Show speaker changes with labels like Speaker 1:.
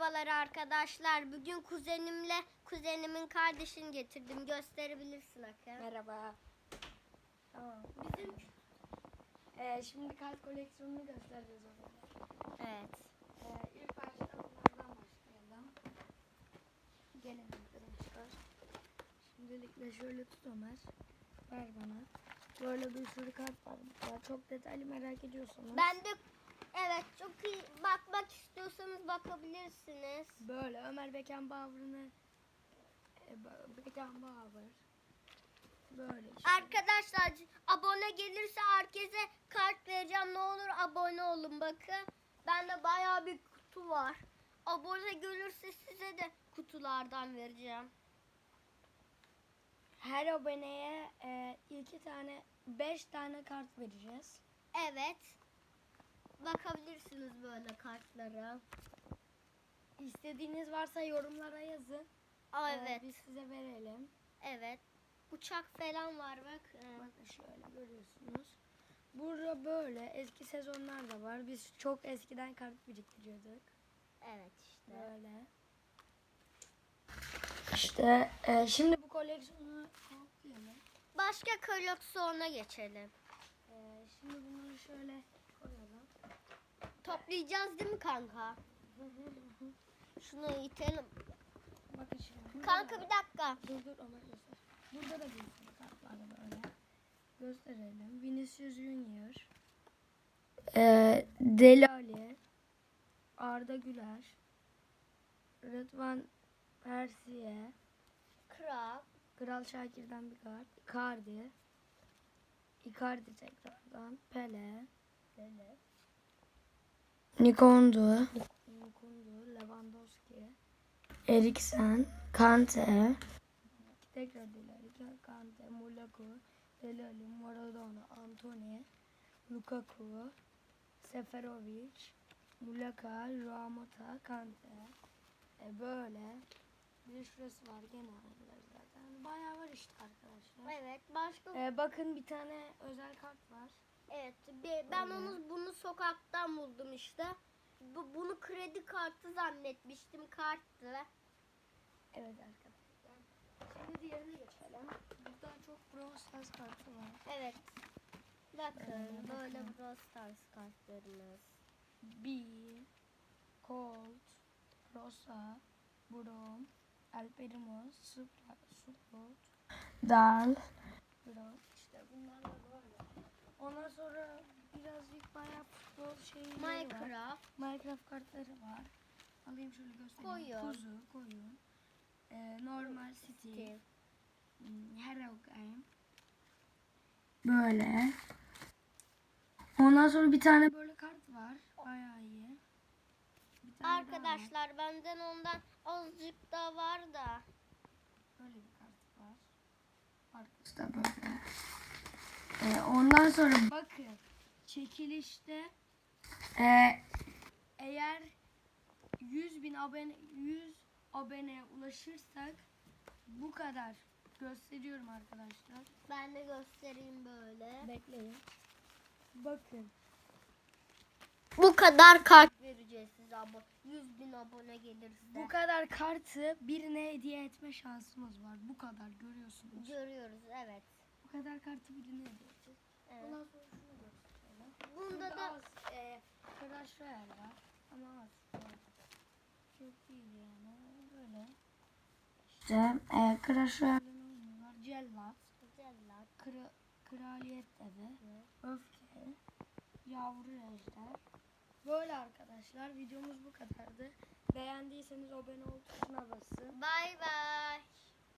Speaker 1: Merhabalar arkadaşlar. Bugün kuzenimin kardeşini getirdim. Gösterebilirsin Akın.
Speaker 2: Merhaba. Tamam.
Speaker 1: Bizim
Speaker 2: Şimdi kart koleksiyonunu göstereceğiz o zaman.
Speaker 1: evet.
Speaker 2: İlk başta bunlardan başlayalım. Gelin arkadaşlar. Şimdilikle şöyle tut Ömer. Ver bana. Böyle bir sürü kart var. Çok detaylı merak ediyorsanız.
Speaker 1: Ben de evet çok iyi bakmak istiyorsanız bakabilirsiniz.
Speaker 2: Böyle Ömer Beckenbauer'ını Beckenbauer. Böyle işte.
Speaker 1: Arkadaşlar abone gelirse herkese kart vereceğim. Ne olur abone olun bakın. Bende bayağı bir kutu var. Abone gelirse size de kutulardan vereceğim.
Speaker 2: Her aboneye 5 tane kart vereceğiz.
Speaker 1: Evet. Bakabilirsiniz böyle kartlara.
Speaker 2: İstediğiniz varsa yorumlara yazın.
Speaker 1: Evet.
Speaker 2: Biz size verelim.
Speaker 1: Evet. Uçak falan var bak.
Speaker 2: Bakın şöyle görüyorsunuz. Burada böyle eski sezonlar da var. Biz çok eskiden kart biriktiriyorduk.
Speaker 1: Evet işte.
Speaker 2: Böyle. İşte şimdi bu koleksiyonu toplayalım.
Speaker 1: Başka koleksiyona geçelim.
Speaker 2: Şimdi bunları şöyle koyalım.
Speaker 1: Toplayacağız değil mi kanka? Şunu itelim.
Speaker 2: Bakın şimdi.
Speaker 1: Kanka bir dakika.
Speaker 2: Dur Ömer göster. Burada da bir sürü kart var böyle. Gösterelim. Vinicius Junior. Deli Ali. Arda Güler. Rıdvan Persiye. Kral Şakir'den bir kart. Icardi tekrardan. Pele. Nikondu. Lewandowski. Eriksen. Kante. Tekrar Deli Ali. Kante. Mulaku. Deli Ali. Maradona. Antony. Lukaku. Seferovic. Mulaka. Ramota. Kante. Böyle. Bir şurası var gene aynıları zaten. Bayağı var işte arkadaşlar.
Speaker 1: Evet. Başka.
Speaker 2: Bakın bir tane özel kart var.
Speaker 1: Evet. Ben bunu sokaktan buldum işte. Bunu kredi kartı zannetmiştim. Karttı.
Speaker 2: Evet arkadaşlar. Şimdi diğerine geçelim. Burada çok Brawl Stars kartı var.
Speaker 1: Evet. Bakın
Speaker 2: Bakın.
Speaker 1: böyle Brawl Stars kartlarımız.
Speaker 2: Bee, Colt, Rosa, Brom, El Primo, Sprout, Dal, Brom. İşte bunlar da böyle. Ondan sonra birazcık bayağı futbol şeyleri var. Minecraft kartları var. Alayım şöyle göstereyim. Koyun. Normal City. Hero Game. Böyle. Ondan sonra bir tane böyle kart var. Bayağı iyi. Bir tane
Speaker 1: Arkadaşlar benden ondan azıcık da var da.
Speaker 2: böyle bir kart var. Arkası da böyle. Ondan sonra bakın. Çekilişte eğer 100 aboneye ulaşırsak bu kadar gösteriyorum arkadaşlar.
Speaker 1: Ben de göstereyim böyle.
Speaker 2: Bekleyin. Bakın.
Speaker 1: Bu kadar kart vereceğiz size abone. 100.000 abone gelirse.
Speaker 2: Bu kadar kartı birine hediye etme şansımız var. Bu kadar görüyorsunuz.
Speaker 1: Görüyoruz evet.
Speaker 2: Bu kadar kartı birine hediye edeceğiz.
Speaker 1: Evet.
Speaker 2: Ondan sonra şunu gösterelim.
Speaker 1: Bunda da
Speaker 2: az Clash Royale var. Ama az. Çok değil yani. Böyle. İşte Clash Royale'ın oyunu var. Cellat. Kraliyet Devi. Öfke. Yavru Ejder. Böyle arkadaşlar. Videomuz bu kadardı. Beğendiyseniz abone ol tuşuna basın.
Speaker 1: bay bay.